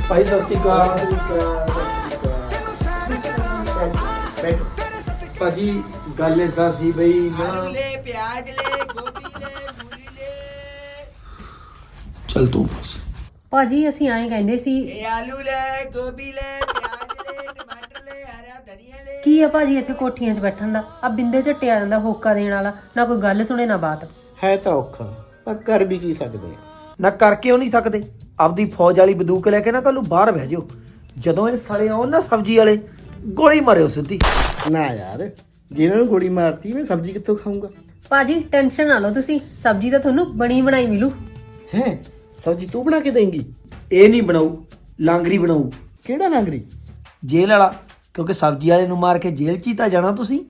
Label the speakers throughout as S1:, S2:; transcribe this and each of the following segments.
S1: ਭਾਈ ਸਤਿ ਸ਼੍ਰੀ ਅਕਾਲ। ਭਾਜੀ ਗੱਲ ਏਦਾਂ ਸੀ ਬਈ
S2: ਆਲੂ ਲੈ ਪਿਆਜ਼ ਲੈ ਗੋਭੀ ਲੈ ਮੂਲੀ ਲੈ
S1: ਚੱਲ ਤੂੰ ਬਸ।
S3: ਭਾਜੀ ਅਸੀਂ ਐਂ ਕਹਿੰਦੇ ਸੀ
S2: ਇਹ ਆਲੂ ਲੈ ਗੋਭੀ ਲੈ ਪਿਆਜ਼ ਲੈ ਟਮਾਟਰ ਲੈ ਹਰਾ ਧਨੀਆ ਲੈ।
S3: ਕੀ ਆ ਭਾਜੀ ਇੱਥੇ ਕੋਠੀਆਂ 'ਚ ਬੈਠਣ ਦਾ? ਆ ਬਿੰਦੇ ਝੱਟੇ ਆ ਜਾਂਦਾ ਹੋਕਾ ਦੇਣ ਵਾਲਾ, ਨਾ ਕੋਈ ਗੱਲ ਸੁਣੇ ਨਾ ਬਾਤ।
S4: ਹੈ ਤਾਂ ਔਖਾ ਪਰ ਕਰ ਵੀ ਕੀ ਸਕਦੇ ਆ।
S1: ਨਾ ਕਰਕੇ ਉਹ ਨਹੀਂ ਸਕਦੇ। ਆਪਦੀ ਫੌਜ ਵਾਲੀ ਬੰਦੂਕ ਲੈ ਕੇ ਨਾ ਕੱਲੂ ਬਾਹਰ ਬਹਿ ਜਾਓ। ਜਦੋਂ ਇਹ ਸਾਲੇ ਆਉਣ ਨਾ ਸਬਜ਼ੀ ਵਾਲੇ, ਗੋਲੀ ਮਾਰਿਓ ਸਿੱਧੀ।
S4: ਨਾ ਯਾਰ, ਜੇ ਇਹਨਾਂ ਨੂੰ ਗੋਲੀ ਮਾਰਤੀ ਮੈਂ ਸਬਜ਼ੀ ਕਿੱਥੋਂ ਖਾਊਂਗਾ?
S3: ਭਾਜੀ ਟੈਨਸ਼ਨ ਨਾ ਲਓ ਤੁਸੀਂ, ਸਬਜ਼ੀ ਤਾਂ ਤੁਹਾਨੂੰ ਬਣੀ ਬਣਾਈ ਮਿਲੂ।
S4: ਹੈ ਸਬਜ਼ੀ ਤੂੰ ਬਣਾ ਕੇ ਦੇਂਗੀ?
S1: ਇਹ ਨਹੀਂ ਬਣਾਊ, ਲਾਂਗਰੀ ਬਣਾਊ।
S4: ਕਿਹੜਾ ਲਾਂਗਰੀ?
S1: ਜੇਲ੍ਹ ਵਾਲਾ, ਕਿਉਂਕਿ ਸਬਜ਼ੀ ਵਾਲੇ ਨੂੰ ਮਾਰ ਕੇ ਜੇਲ੍ਹ 'ਚ ਹੀ ਤਾਂ ਜਾਣਾ ਤੁਸੀਂ।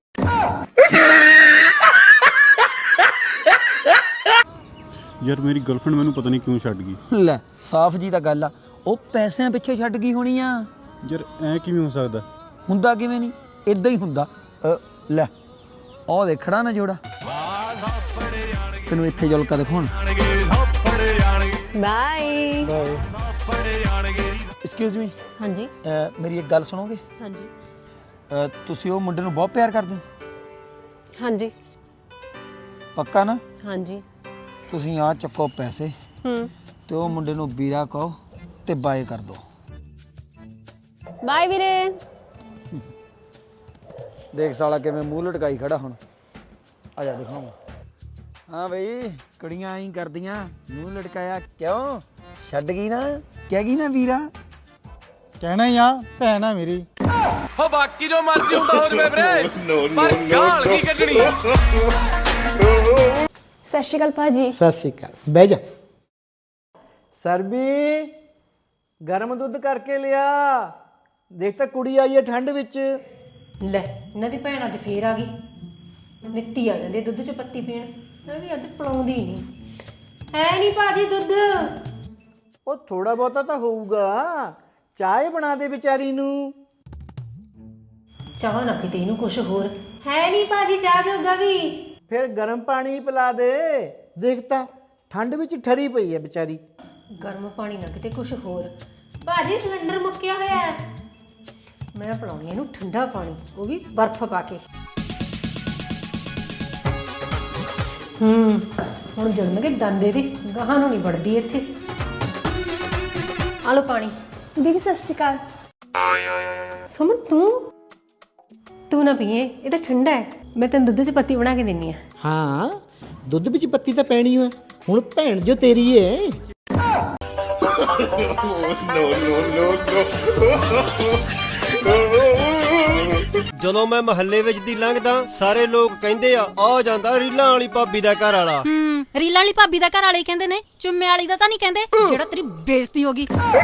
S5: ਯਾਰ ਮੇਰੀ ਗਰਲਫ੍ਰੈਂਡ ਮੈਨੂੰ ਪਤਾ ਨਹੀਂ ਕਿਉਂ ਛੱਡ ਗਈ।
S1: ਲੈ ਸਾਫ਼ ਜੀ ਤਾਂ ਗੱਲ ਆ, ਉਹ ਪੈਸਿਆਂ ਪਿੱਛੇ ਛੱਡ ਗਈ ਹੋਣੀ ਆ।
S5: ਯਾਰ ਐ ਕਿਵੇਂ ਹੋ ਸਕਦਾ?
S1: ਹੁੰਦਾ ਕਿਵੇਂ ਨਹੀਂ, ਇਦਾਂ ਹੀ ਹੁੰਦਾ। ਲੈ ਉਹ ਦੇਖੜਾ ਨਾ ਜੋੜਾ, ਤੈਨੂੰ ਇੱਥੇ ਜੁਲਕਾ ਦਿਖਾਉਣ।
S3: ਬਾਏ।
S1: ਐਕਸਕਿਊਜ਼ ਮੀ,
S3: ਹਾਂਜੀ
S1: ਮੇਰੀ ਇੱਕ ਗੱਲ ਸੁਣੋਗੇ?
S3: ਹਾਂਜੀ
S1: ਤੁਸੀਂ ਉਹ ਮੁੰਡੇ ਨੂੰ ਬਹੁਤ ਪਿਆਰ ਕਰਦੇ ਹੋ?
S3: ਹਾਂਜੀ
S1: ਪੱਕਾ ਨਾ?
S3: ਹਾਂਜੀ।
S1: ਤੁਸੀਂ ਆ ਚੱਕੋ ਪੈਸੇ ਤੇ ਉਹ ਮੁੰਡੇ ਨੂੰ ਵੀਰਾ ਕਹੋ ਤੇ ਬਾਏ ਕਰ ਦੋ।
S3: ਬਾਏ ਵੀਰੇ।
S1: ਦੇਖ ਸਾਲਾ ਕਿਵੇਂ ਮੂੰਹ ਲਟਕਾਈ ਖੜਾ ਹੁਣ। ਆ ਜਾ ਦਿਖਾਵਾਂ। ਹਾਂ ਬਈ, ਕੁੜੀਆਂ ਐਂ ਕਰਦੀਆਂ, ਮੂੰਹ ਲਟਕਾਇਆ ਕਿਉਂ? ਛੱਡ ਗਈ ਨਾ, ਕਹਿ ਗਈ ਨਾ ਵੀਰਾ।
S5: ਕਹਿਣਾ ਹੀ ਆ, ਭੈਣ ਆ ਮੇਰੀ।
S6: ਹੋ ਬਾਕੀ ਜੋ ਮਰਜ਼ੀ ਹੁੰਦਾ ਹੋ ਜਵੇ ਵੀਰੇ, ਪਰ ਗਾਲ ਕੀ ਕੱਢਣੀ।
S7: ਸਤਿ ਸ਼੍ਰੀ ਅਕਾਲ ਭਾਜੀ।
S4: ਸਤਿ ਸ਼੍ਰੀ ਅਕਾਲ, ਬਹਿ ਜਾ। ਸਰਬੀ ਗਰਮ ਦੁੱਧ ਕਰਕੇ ਲਿਆ। ਦੇਖ ਤਾਂ ਕੁੜੀ ਆਈ ਹੈ ਠੰਡ ਵਿੱਚ।
S3: ਲੈ ਇਹਨਾਂ ਦੀ ਭੈਣ ਅੱਜ ਫੇਰ ਆ ਗਈ। ਨਿੱਤੀ ਆ ਜਾਂਦੀ ਦੁੱਧ 'ਚ ਪੱਤੀ ਪੀਣ। ਮੈਂ ਵੀ ਅੱਜ ਪਲਾਉਂਦੀ ਨਹੀਂ ਹੈ। ਨਹੀਂ ਭਾਜੀ ਦੁੱਧ।
S4: ਉਹ ਥੋੜਾ ਬਹੁਤਾ ਤਾਂ ਹੋਊਗਾ। ਚਾਹ ਬਣਾ ਦੇ ਵਿਚਾਰੀ ਨੂੰ।
S3: ਚਾਹ ਨਾ ਕਿਤੇ ਇਹਨੂੰ ਕੁਛ ਹੋਰ ਹੈ ਨਹੀਂ ਭਾਜੀ, ਚਾਹ ਜੋਗਾ ਵੀ।
S4: ਫਿਰ ਗਰਮ ਪਾਣੀ ਪਿਲਾ ਦੇ। ਦੇਖ ਤਾਂ ਠੰਡ ਵਿੱਚ ਠਰੀ ਪਈ ਹੈ ਵਿਚਾਰੀ।
S3: ਗਰਮ ਪਾਣੀ ਨਾ ਕਿਤੇ ਕੁਛ ਹੋਰ। ਭਾਜੀ ਸਿਲੰਡਰ ਮੁੱਕਿਆ ਹੋਇਆ ਹੈ। ਮੈਂ ਪਿਲਾਉਣੀ ਇਹਨੂੰ ਠੰਡਾ ਪਾਣੀ, ਉਹ ਵੀ ਬਰਫ਼ ਪਾ ਕੇ। ਹੁਣ ਜਲਣਗੇ ਦੰਦ ਇਹਦੇ, ਗਾਹਾਂ ਨੂੰ ਨਹੀਂ ਵੜਦੀ ਇੱਥੇ। ਆ ਲਓ ਪਾਣੀ।
S7: ਦੀਦੀ ਸਤਿ ਸ਼੍ਰੀ ਅਕਾਲ।
S3: ਸੁਮਨ ਤੂੰ ਨਾ ਪੀਏ, ਇਹ ਤਾਂ ਠੰਡਾ ਹੈ। ਮੈਂ ਤੈਨੂੰ ਦੁੱਧ 'ਚ ਪੱਤੀ ਬਣਾ ਕੇ ਦਿੰਨੀ ਆ।
S4: ਹਾਂ ਦੁੱਧ ਵਿੱਚ ਪੱਤੀ ਤਾਂ ਪੈਣੀ ਹੋਏ। ਹੁਣ ਭੈਣ ਜੋ ਤੇਰੀ ਏ।
S8: ਜਦੋਂ ਮੈਂ ਮਹੱਲੇ ਵਿੱਚ ਦੀ ਲੰਘਦਾ ਸਾਰੇ ਲੋਕ ਕਹਿੰਦੇ ਆ ਜਾਂਦਾ ਰੀਲਾਂ ਵਾਲੀ ਭਾਬੀ ਦਾ ਘਰ ਵਾਲਾ।
S9: ਰੀਲਾਂ ਵਾਲੀ ਭਾਬੀ ਦਾ ਘਰ ਵਾਲੇ ਕਹਿੰਦੇ ਨੇ, ਚੁੰਮੇ ਵਾਲੀ ਦਾ ਤਾਂ ਨਹੀਂ ਕਹਿੰਦੇ, ਜਿਹੜਾ ਤੇਰੀ ਬੇਇੱਜ਼ਤੀ ਹੋ ਗਈ।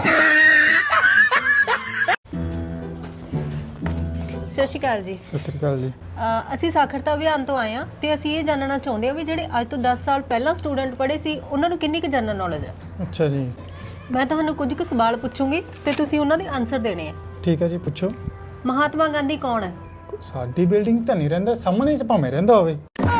S3: ਸਤਿ ਸ਼੍ਰੀ ਅਕਾਲ ਜੀ।
S5: ਸਤਿ ਸ਼੍ਰੀ ਅਕਾਲ ਜੀ।
S3: ਅਸੀਂ ਸਾਖਰਤਾ ਅਭਿਆਨ ਤੋਂ ਆਏ ਹਾਂ ਤੇ ਅਸੀਂ ਇਹ ਜਾਣਨਾ ਚਾਹੁੰਦੇ ਹਾਂ ਵੀ ਜਿਹੜੇ ਅੱਜ ਤੋਂ 10 ਸਾਲ ਪਹਿਲਾਂ ਸਟੂਡੈਂਟ ਪੜ੍ਹੇ ਸੀ ਉਹਨਾਂ ਨੂੰ ਕਿੰਨੀ ਕੁ ਜਨਰਲ ਨੌਲੇਜ ਹੈ।
S5: ਅੱਛਾ ਜੀ,
S3: ਮੈਂ ਤੁਹਾਨੂੰ ਕੁਝ ਕੁ ਸਵਾਲ ਪੁੱਛੂੰਗੀ ਤੇ ਤੁਸੀਂ ਉਹਨਾਂ ਦੇ ਆਨਸਰ ਦੇਣੇ ਆ।
S5: ਠੀਕ ਹੈ ਜੀ, ਪੁੱਛੋ।
S3: ਮਹਾਤਮਾ ਗਾਂਧੀ ਕੌਣ ਹੈ?
S5: ਸਾਡੀ ਬਿਲਡਿੰਗ 'ਚ ਤਾਂ ਨਹੀਂ ਰਹਿੰਦਾ, ਸਾਹਮਣੇ 'ਚ ਭਾਵੇਂ ਰਹਿੰਦਾ ਹੋਵੇ।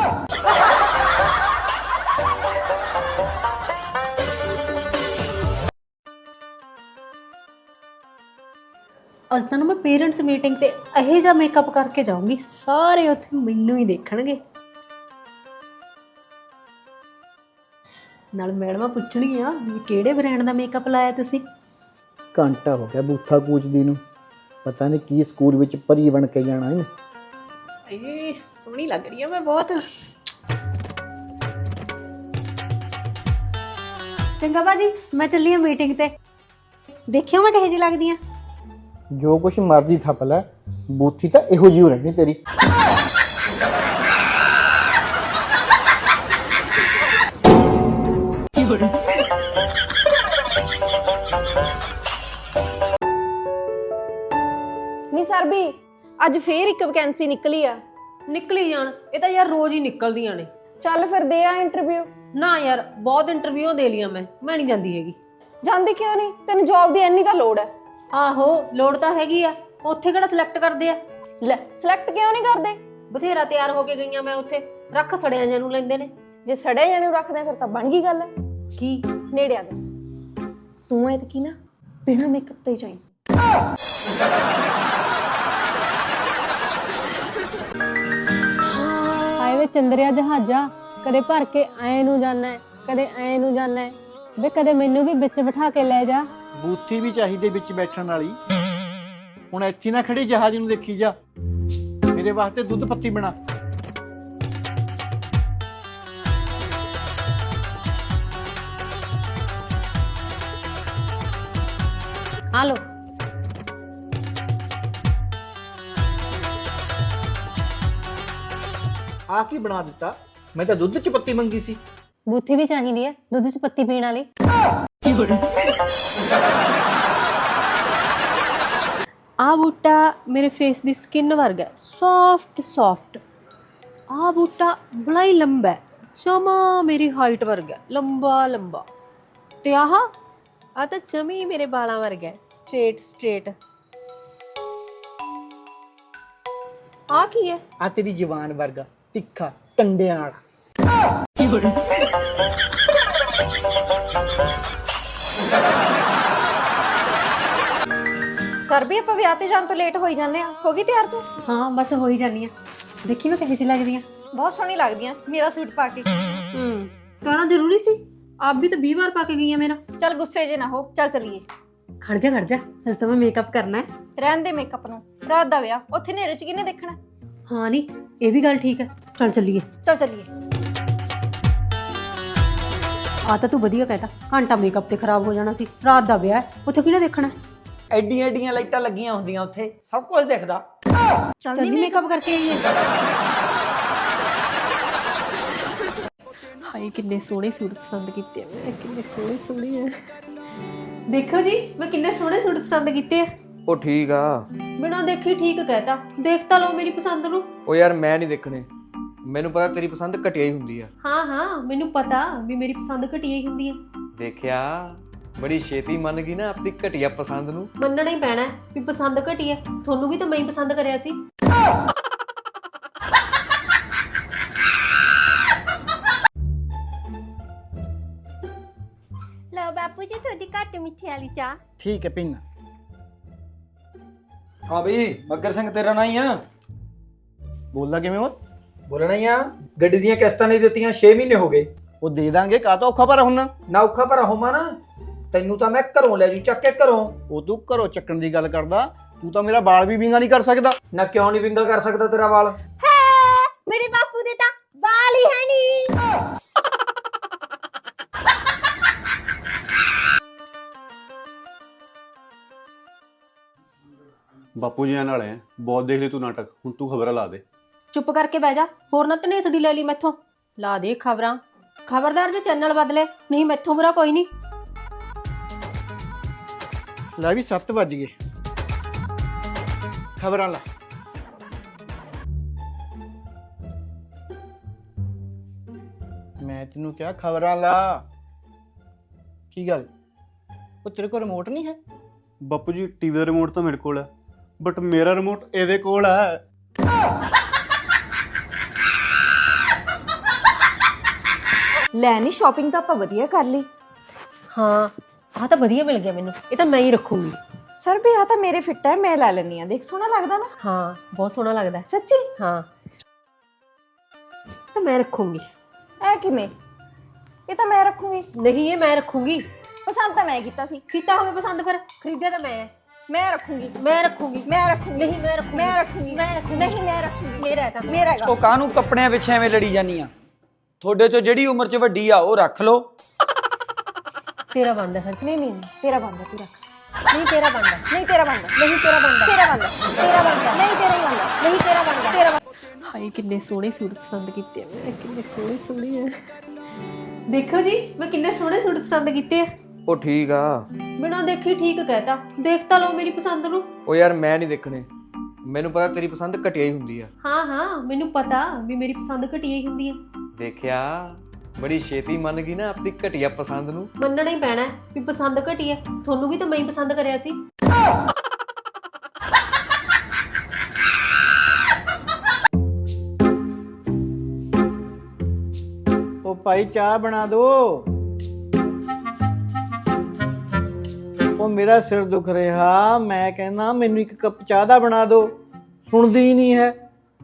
S3: ਅੱਜ ਤਾਂ ਮੈਂ ਪੇਰੈਂਟਸ ਮੀਟਿੰਗ ਤੇ ਇਹੋ ਜਿਹਾ ਮੇਕਅਪ ਕਰਕੇ ਜਾਊਂਗੀ, ਸਾਰੇ ਉੱਥੇ ਮੈਨੂੰ ਹੀ ਦੇਖਣਗੇ। ਨਾਲ ਮੈਡਮਾਂ ਪੁੱਛਣਗੀਆਂ ਵੀ ਕਿਹੜੇ ਬ੍ਰਾਂਡ ਦਾ ਮੇਕਅਪ ਲਾਇਆ ਤੁਸੀਂ।
S4: ਘੰਟਾ ਹੋ ਗਿਆ ਬੂਥਾ ਕੂਚਦੀ ਨੂੰ। ਪਤਾ ਨਹੀਂ ਕੀ ਸਕੂਲ ਵਿੱਚ ਪਰੀ ਬਣ ਕੇ ਜਾਣਾ ਹੈ।
S3: ਏ ਸੋਹਣੀ ਲੱਗ ਰਹੀ ਆ ਮੈਂ ਬਹੁਤ। ਚੰਗਾ ਬਾਜੀ, ਮੈਂ ਚੱਲੀ ਆ ਮੀਟਿੰਗ ਤੇ। ਦੇਖਿਓ ਮੈਂ ਕਿਹੋ ਜਿਹੀ ਲੱਗਦੀ ਆ।
S4: ਜੋ ਕੁਛ ਮਰਦੀ ਥੱਪ ਲੈ, ਬੂਥੀ ਤਾਂ ਇਹੋ ਜਿਹੀ ਰਹਿਣੀ ਤੇਰੀ।
S7: ਨੀ ਸਰਬੀ ਅੱਜ ਫੇਰ ਇੱਕ ਵੈਕੈਂਸੀ ਨਿਕਲੀ ਆ।
S3: ਨਿਕਲੀ ਜਾਣ, ਇਹ ਤਾਂ ਯਾਰ ਰੋਜ਼ ਹੀ ਨਿਕਲਦੀਆਂ ਨੇ।
S7: ਚੱਲ ਫਿਰ ਦੇ ਆ ਇੰਟਰਵਿਊ।
S3: ਨਾ ਯਾਰ ਬਹੁਤ ਇੰਟਰਵਿਊ ਦੇ ਲੀਆਂ ਮੈਂ ਨਹੀਂ ਜਾਂਦੀ ਹੈਗੀ।
S7: ਜਾਂਦੀ ਕਿਉਂ ਨਹੀਂ? ਤੈਨੂੰ ਜੌਬ ਦੀ ਇੰਨੀ ਤਾਂ ਲੋੜ ਹੈ।
S3: ਆਹੋ ਲੋੜ ਤਾਂ ਹੈਗੀ ਆ, ਉੱਥੇ ਕਿਹੜਾ ਸਿਲੈਕਟ ਕਰਦੇ ਆ।
S7: ਲੈ ਸਿਲੈਕਟ ਕਿਉਂ ਨਹੀਂ ਕਰਦੇ?
S3: ਬਥੇਰਾ ਤਿਆਰ ਹੋ ਕੇ ਗਈਆਂ ਮੈਂ ਉੱਥੇ, ਰੱਖ ਸੜਿਆਂ ਜਾਂ ਨੂੰ ਲੈਂਦੇ ਨੇ।
S7: ਜੇ ਸੜੇ ਜਾਣੇ ਨੂੰ ਰੱਖਦੇ ਫਿਰ ਤਾਂ ਬਣ ਗਈ ਗੱਲ।
S3: ਕੀ
S7: ਨੇੜੇ ਆ ਦੱਸ। ਤੂੰ ਐਤਕੀ ਨਾ ਬਿਨਾਂ ਮੇਕਅਪ ਤੋਂ ਹੀ ਜਾਈਂ।
S3: ਹਾਏ ਵੇ ਚੰਦਰਿਆ ਜਹਾਜ਼ਾ, ਕਦੇ ਭਰ ਕੇ ਐ ਨੂੰ ਜਾਣਾ ਹੈ, ਕਦੇ ਐ ਨੂੰ ਜਾਣਾ ਹੈ। ਵੇ ਕਦੇ ਮੈਨੂੰ ਵੀ ਵਿੱਚ ਬਿਠਾ ਕੇ ਲੈ ਜਾ।
S4: ਬੂਥੀ ਵੀ ਚਾਹੀਦੀ ਵਿੱਚ ਬੈਠਣ ਵਾਲੀ। ਹੁਣ ਇੱਥੇ ਨਾ ਖੜੀ ਜਹਾਜ਼ ਨੂੰ ਦੇਖੀ ਜਾ। ਮੇਰੇ ਵਾਸਤੇ ਦੁੱਧ ਪੱਤੀ ਬਣਾ।
S3: ਆ ਲੋ।
S4: ਆ ਕੀ ਬਣਾ ਦਿੱਤਾ? ਮੈਂ ਤਾਂ ਦੁੱਧ 'ਚ ਪੱਤੀ ਮੰਗੀ ਸੀ।
S3: ਬੂਥੀ ਵੀ ਚਾਹੀਦੀ ਹੈ ਦੁੱਧ 'ਚ ਪੱਤੀ ਪੀਣ ਵਾਲੀ।
S7: ਆ ਬੂਟਾ ਮੇਰੇ ਫੇਸ ਦੀ ਸਕਿਨ ਵਰਗਾ ਸੌਫਟ ਸੌਫਟ। ਆ ਬੂਟਾ ਬੜਾ ਹੀ ਲੰਬਾ ਹੈ, ਜਮਾ ਮੇਰੀ ਹਾਈਟ ਵਰਗਾ ਲੰਬਾ ਲੰਬਾ। ਤੇ ਆਹ ਆ ਤਾਂ ਜਮੀ ਮੇਰੇ ਬਾਲਾਂ ਵਰਗਾ ਸਟ੍ਰੇਟ ਸਟ੍ਰੇਟ। ਆ ਕੀ ਹੈ?
S4: ਆ ਤੇਰੀ ਜਵਾਨ ਵਰਗਾ ਤਿੱਖਾ ਕੰਡਿਆਂ ਵਾਲਾ।
S7: ਸਰ ਵੀ ਆਪਾਂ ਵਿਆਹ ਤੇ ਜਾਣ ਤੋਂ ਲੇਟ ਹੋਈ ਜਾਂਦੇ ਆ। ਹੋ ਗਈ ਤਿਆਰ ਤੂੰ?
S3: ਹਾਂ ਬਸ ਹੋ ਹੀ ਜਾਨੀ ਆ। ਦੇਖੀ ਮੈਂ ਕਿਹੋ ਜਿਹੀ ਲੱਗਦੀ ਆ।
S7: ਬਹੁਤ ਸੋਹਣੀ ਲੱਗਦੀ ਆ ਮੇਰਾ ਸੂਟ ਪਾ ਕੇ।
S3: ਕਹਿਣਾ ਜ਼ਰੂਰੀ ਸੀ? ਆਪ ਵੀ ਤਾਂ 20 ਵਾਰ ਪਾ ਕੇ ਗਈ ਆ ਮੇਰਾ।
S7: ਚੱਲ ਗੁੱਸੇ ਜੇ ਨਾ ਹੋ, ਚੱਲ ਚੱਲੀਏ।
S3: ਖੜ ਜਾ ਹਜੇ ਤਾਂ ਮੈਂ ਮੇਕਅਪ ਕਰਨਾ ਹੈ।
S7: ਰਹਿਣ ਦੇ ਮੇਕਅਪ ਨੂੰ, ਰਾਤ ਦਾ ਵਿਆਹ ਉੱਥੇ ਹਨੇਰੇ 'ਚ ਕਿਹਨੇ ਦੇਖਣਾ?
S3: ਹਾਂ ਨਹੀਂ ਇਹ ਵੀ ਗੱਲ ਠੀਕ ਹੈ। ਚੱਲ ਚੱਲੀਏ।
S7: ਚੱਲ ਚੱਲੀਏ।
S3: ਆ ਤਾਂ ਤੂੰ ਵਧੀਆ ਕਹਿਤਾ, ਘੰਟਾ ਮੇਕਅਪ ਤੇ ਖਰਾਬ ਹੋ ਜਾਣਾ ਸੀ। ਰਾਤ ਦਾ ਵਿਆਹ ਹੈ, ਉੱਥੇ ਕਿਹਨੇ ਦੇਖਣਾ?
S1: ਐਡੀਆਂ ਐਡੀਆਂ ਲਾਈਟਾਂ ਲੱਗੀਆਂ ਹੁੰਦੀਆਂ ਉੱਥੇ, ਸਭ ਕੁਝ ਦਿਖਦਾ।
S3: ਚੱਲ ਮੇਕਅਪ ਕਰਕੇ ਆਈਏ।
S7: ਹਾਏ ਕਿੰਨੇ ਸੋਹਣੇ ਸੂਟ ਪਸੰਦ ਕੀਤੇ ਆ ਮੈਂ, ਕਿੰਨੇ ਸੋਹਣੇ ਸੋਹਣੇ ਆ।
S3: ਦੇਖੋ ਜੀ ਮੈਂ ਕਿੰਨੇ ਸੋਹਣੇ ਸੂਟ ਪਸੰਦ ਕੀਤੇ ਆ।
S6: ਉਹ ਠੀਕ ਆ।
S3: ਬਿਨਾਂ ਦੇਖੀ ਠੀਕ ਕਹਿਤਾ। ਦੇਖ ਤਾਂ ਲਓ ਮੇਰੀ ਪਸੰਦ ਨੂੰ।
S6: ਉਹ ਯਾਰ ਮੈਂ ਨਹੀਂ ਦੇਖਣੇ, ਮੈਨੂੰ ਪਤਾ ਤੇਰੀ ਪਸੰਦ ਘਟੀਆ ਹੀ ਹੁੰਦੀ ਆ।
S3: ਹਾਂ ਮੈਨੂੰ ਪਤਾ ਵੀ ਮੇਰੀ ਪਸੰਦ ਘਟੀਆ ਹੀ ਹੁੰਦੀ ਹੈ।
S6: ਦੇਖਿਆ ਬੜੀ ਛੇਤੀ ਮੰਨ ਗਈ ਨਾ ਆਪਣੀ ਘਟੀਆ ਪਸੰਦ ਨੂੰ।
S3: ਮੰਨਣਾ ਹੀ ਪੈਣਾ ਵੀ ਪਸੰਦ ਘਟੀ ਹੈ। ਤੁਹਾਨੂੰ ਵੀ ਤਾਂ ਮੈਂ ਹੀ ਪਸੰਦ ਕਰਿਆ ਸੀ।
S7: ਲਓ ਬਾਪੂ ਜੀ ਤੁਹਾਡੀ ਘੱਟ ਮਿੱਠੀ ਵਾਲੀ ਚਾਹ।
S4: ਠੀਕ ਹੈ ਪੀਨਾ।
S1: ਹਾਂ ਬਈ ਮੱਗਰ ਸਿੰਘ ਤੇਰਾ ਨਾਂ ਹੀ ਆ।
S4: ਬੋਲਦਾ ਕਿਵੇਂ ਹੋ?
S1: ਬੋਲਣਾ ਹੀ ਆ। ਗੱਡੀ ਦੀਆਂ ਕਿਸ਼ਤਾਂ ਨਹੀਂ ਦਿੱਤੀਆਂ 6 ਮਹੀਨੇ ਹੋ ਗਏ।
S4: ਉਹ ਦੇ ਦਾਂਗੇ, ਕਾਹ ਤੋਂ ਔਖਾ ਪਰ ਹੁੰਨਾ।
S1: ਨਾ ਔਖਾ ਭਰਾ ਹੋਵਾਂ ਨਾ, ਤੈਨੂੰ ਤਾਂ ਮੈਂ ਘਰੋਂ ਲੈ ਜੂ ਚੱਕ ਕੇ ਘਰੋਂ।
S4: ਉਹ ਤੂੰ ਘਰੋਂ ਚੱਕਣ ਦੀ ਗੱਲ ਕਰਦਾ, ਤੂੰ ਤਾਂ ਮੇਰਾ ਵਾਲ ਵੀ ਵਿੰਗਾ ਨਹੀਂ ਕਰ ਸਕਦਾ।
S1: ਨਾ ਕਿਉਂ ਨਹੀਂ ਵਿੰਗਾ ਕਰ ਸਕਦਾ ਤੇਰਾ ਵਾਲ?
S7: ਮੇਰੇ ਬਾਪੂ ਦੇ ਤਾਂ ਵਾਲ ਹੀ ਹੈ ਨਹੀਂ।
S10: ਬਾਪੂ ਜੀ ਨਾਲ ਹੈ, ਬਹੁਤ ਦੇਖ ਲਈ ਤੂੰ ਨਾਟਕ, ਹੁਣ ਤੂੰ ਖਬਰਾਂ ਲਾ ਦੇ।
S3: ਚੁੱਪ ਕਰਕੇ ਬਹਿ ਜਾ, ਹੋਰ ਨਾ ਧਨੇਸੜੀ ਲੈ ਲਈ ਮੈਥੋਂ। ਲਾ ਦੇ ਖਬਰਾਂ। ਖਬਰਦਾਰ ਜੇ ਚੈਨਲ ਬਦਲੇ, ਨਹੀਂ ਮੈਥੋਂ ਬੁਰਾ ਕੋਈ ਨਹੀਂ।
S4: ਲੈ ਵੀ 7 ਵੱਜ ਗਏ, ਖਬਰਾਂ ਲਾ। ਮੈਂ ਤੈਨੂੰ ਕਿਹਾ ਖਬਰਾਂ ਲਾ। ਕੀ ਗੱਲ, ਉਹ ਤੇਰੇ ਕੋਲ ਰਿਮੋਟ ਨਹੀਂ ਹੈ?
S10: ਬਾਪੂ ਜੀ ਟੀਵੀ ਦਾ ਰਿਮੋਟ ਤਾਂ ਮੇਰੇ ਕੋਲ ਹੈ, ਬਟ ਮੇਰਾ ਰਿਮੋਟ ਇਹਦੇ ਕੋਲ ਹੈ।
S7: ਲੈ ਨਹੀਂ ਸ਼ਾਪਿੰਗ ਤਾਂ ਆਪਾਂ ਵਧੀਆ ਕਰ ਲਈ।
S3: ਹਾਂ ਆਹ ਤਾਂ ਵਧੀਆ ਮਿਲ ਗਿਆ ਮੈਨੂੰ, ਇਹ ਤਾਂ ਮੈਂ ਹੀ ਰੱਖੂੰਗੀ।
S7: ਸਰ ਵੀ ਆ ਤਾਂ ਮੇਰੇ ਫਿੱਟ ਹੈ, ਮੈਂ ਲੈ ਲੈਣੀ ਆ। ਦੇਖ ਸੋਹਣਾ ਲੱਗਦਾ ਨਾ?
S3: ਹਾਂ ਬਹੁਤ ਸੋਹਣਾ ਲੱਗਦਾ।
S7: ਸੱਚੀ?
S3: ਹਾਂ ਤਾਂ ਮੈਂ ਰੱਖੂੰਗੀ।
S7: ਐ ਕਿਵੇਂ? ਇਹ ਤਾਂ ਮੈਂ ਰੱਖੂੰਗੀ।
S3: ਨਹੀਂ ਇਹ ਮੈਂ ਰੱਖੂੰਗੀ।
S7: ਪਸੰਦ ਤਾਂ ਮੈਂ ਕੀਤਾ ਸੀ।
S3: ਕੀਤਾ ਹੋਵੇ ਪਸੰਦ, ਫਿਰ ਖਰੀਦਿਆ ਤਾਂ ਮੈਂ।
S7: ਮੈਂ ਰੱਖੂੰਗੀ।
S3: ਮੈਂ ਰੱਖੂੰਗੀ।
S7: ਮੈਂ ਰੱਖੂੰਗੀ।
S3: ਨਹੀਂ ਮੈਂ ਰੱਖੂੰਗੀ।
S7: ਮੈਂ ਰੱਖੂੰਗੀ।
S3: ਮੈਂ ਰੱਖੂੰਗੀ।
S7: ਨਹੀਂ ਮੈਂ ਰੱਖੂੰਗੀ।
S3: ਮੇਰਾ ਹੈ ਤਾਂ।
S7: ਮੇਰਾ ਹੈਗਾ।
S1: ਉਹ ਕਾਹਨੂੰ ਕੱਪੜਿਆਂ ਪਿੱਛੇ ਐਵੇਂ ਲੜੀ ਜਾਨੀ ਆ? ਤੁਹਾਡੇ ਚੋਂ ਜਿਹੜੀ ਉਮਰ 'ਚ ਵੱਡੀ ਆ ਉਹ ਰੱਖ ਲਓ।
S3: ਤੇਰਾ ਬਣਦਾ ਫਿਰ।
S7: ਨਹੀਂ ਨਹੀਂ ਤੇਰਾ ਬੰਦਾ, ਤੂੰ ਰੱਖ।
S3: ਨਹੀਂ ਤੇਰਾ ਬਣਦਾ।
S7: ਨਹੀਂ ਤੇਰਾ ਬੰਦਾ।
S3: ਨਹੀਂ ਤੇਰਾ ਬਣਦਾ।
S7: ਤੇਰਾ ਬੰਦਾ। ਤੇਰਾ ਬੰਦਾ। ਨਹੀਂ ਤੇਰਾ ਹੀ ਬੰਦਾ।
S3: ਨਹੀਂ ਤੇਰਾ ਬਣਦਾ।
S7: ਤੇਰਾ ਬੰਦਾ। ਹਾਏ ਕਿੰਨੇ ਸੋਹਣੇ ਸੂਟ ਪਸੰਦ ਕੀਤੇ ਆ ਮੈਂ, ਕਿੰਨੇ ਸੋਹਣੇ ਸੋਹਣੇ ਆ।
S3: ਦੇਖੋ ਜੀ ਮੈਂ ਕਿੰਨੇ ਸੋਹਣੇ ਸੂਟ ਪਸੰਦ ਕੀਤੇ ਆ।
S6: ਉਹ ਠੀਕ ਆ।
S3: ਬਿਨਾਂ ਦੇਖੀ ਠੀਕ ਕਹਿਤਾ। ਦੇਖ ਤਾਂ ਲਓ ਮੇਰੀ ਪਸੰਦ ਨੂੰ।
S6: ਉਹ ਯਾਰ ਮੈਂ ਨਹੀਂ ਦੇਖਣੇ, ਮੈਨੂੰ ਪਤਾ ਤੇਰੀ ਪਸੰਦ ਘਟੀਆ ਹੀ ਹੁੰਦੀ ਆ।
S3: ਹਾਂ ਮੈਨੂੰ ਪਤਾ ਵੀ ਮੇਰੀ ਪਸੰਦ ਘਟੀਆ ਹੀ ਹੁੰਦੀ ਹੈ।
S6: ਦੇਖਿਆ ਬੜੀ ਛੇਤੀ ਮੰਨ ਗਈ ਨਾ ਆਪਣੀ ਘਟੀਆ ਪਸੰਦ ਨੂੰ।
S3: ਮੰਨਣਾ ਹੀ ਪੈਣਾ ਵੀ ਪਸੰਦ ਘਟੀ ਹੈ। ਤੁਹਾਨੂੰ ਵੀ ਤਾਂ ਮੈਂ ਹੀ ਪਸੰਦ ਕਰਿਆ ਸੀ।
S4: ਉਹ ਭਾਈ ਚਾਹ ਬਣਾ ਦੋ। ਉਹ ਉਹ ਮੇਰਾ ਸਿਰ ਦੁਖ ਰਿਹਾ, ਮੈਂ ਕਹਿੰਦਾ ਮੈਨੂੰ ਇੱਕ ਕੱਪ ਚਾਹ ਦਾ ਬਣਾ ਦਿਓ, ਸੁਣਦੀ ਹੀ ਨਹੀਂ ਹੈ।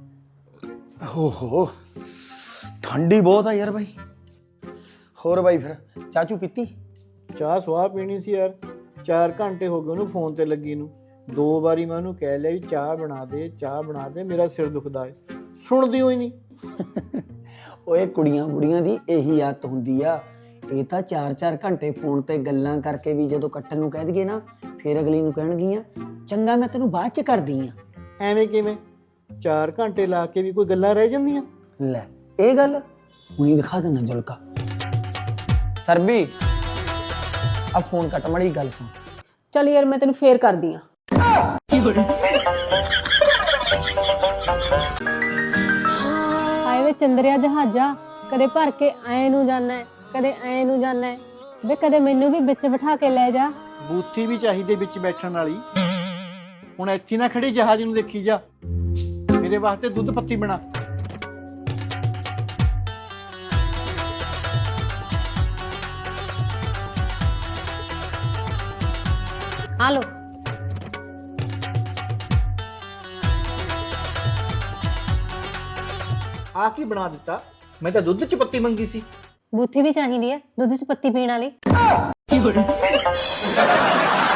S1: ਓਹੋ ਠੰਡੀ ਬਹੁਤ ਆ ਯਾਰ ਬਾਈ। ਹੋਰ ਬਾਈ ਫਿਰ ਚਾਚੂ ਪੀਤੀ?
S4: ਚਾਹ ਸਵਾਹ ਪੀਣੀ ਸੀ ਯਾਰ, 4 ਘੰਟੇ ਹੋ ਗਏ ਉਹਨੂੰ ਫੋਨ ਤੇ ਲੱਗੀ ਨੂੰ। 2 ਵਾਰੀ ਮੈਂ ਉਹਨੂੰ ਕਹਿ ਲਿਆ ਵੀ ਚਾਹ ਬਣਾ ਦੇ, ਚਾਹ ਬਣਾ ਦੇ, ਮੇਰਾ ਸਿਰ ਦੁਖਦਾ ਹੈ, ਸੁਣਦੀ ਹੋਈ ਨਹੀਂ।
S1: ਓਏ ਕੁੜੀਆਂ ਬੁੜੀਆਂ ਦੀ ਇਹੀ ਆਦਤ ਹੁੰਦੀ ਆ। ਇਹ ਤਾਂ 4-4 ਘੰਟੇ ਫੋਨ ਤੇ ਗੱਲਾਂ ਕਰਕੇ ਵੀ ਜਦੋਂ ਕੱਟਣ ਨੂੰ ਕਹਿ ਦਈਏ ਨਾ, ਫਿਰ ਅਗਲੀ ਨੂੰ ਕਹਿਣਗੀਆਂ ਚੰਗਾ ਮੈਂ ਤੈਨੂੰ ਬਾਅਦ ਚ ਕਰਦੀ ਆ।
S4: ਐਵੇਂ ਕਿਵੇਂ? 4 ਘੰਟੇ ਲਾ ਕੇ ਵੀ ਕੋਈ ਗੱਲਾਂ ਰਹਿ ਜਾਂਦੀਆਂ?
S1: ਲੈ ਇਹ ਗੱਲ ਹੁਣੀ ਦਿਖਾ ਦੇਣਾ ਜੁਲਕਾ। ਸਰਬੀ ਆ ਫੋਨ ਕੱਟ ਮੜੀ ਗੱਲ ਸੁਣ।
S7: ਚੱਲ ਯਾਰ ਮੈਂ ਤੈਨੂੰ ਫੇਰ ਕਰਦੀ ਆ। ਹਾਏ ਵੇ ਚੰਦਰਿਆ ਜਹਾਜ਼ਾ, ਕਦੇ ਭਰ ਕੇ ਐ ਨੂੰ ਜਾਣਾ ਹੈ, ਕਦੇ ਐ ਨੂੰ ਜਾਣਾ ਹੈ, ਵੇ ਕਦੇ ਮੈਨੂੰ ਵੀ ਵਿੱਚ ਬਿਠਾ ਕੇ ਲੈ ਜਾ।
S4: ਬੂਥੀ ਵੀ ਚਾਹੀਦੀ ਵਿੱਚ ਬੈਠਣ ਵਾਲੀ। ਹੁਣ ਇੱਥੇ ਨਾ ਖੜੀ ਜਹਾਜ਼ ਨੂੰ ਦੇਖੀ ਜਾ, ਮੇਰੇ ਵਾਸਤੇ ਦੁੱਧ ਪੱਤੀ ਬਣਾ।
S7: ਆ ਲੋ।
S4: ਆ ਕੀ ਬਣਾ ਦਿੱਤਾ? ਮੈਂ ਤਾਂ ਦੁੱਧ ਚ ਪੱਤੀ ਮੰਗੀ ਸੀ।
S7: ਬੂਥੀ ਵੀ ਚਾਹੀਦੀ ਹੈ ਦੁੱਧ 'ਚ ਪੱਤੀ ਪੀਣ ਵਾਲੀ।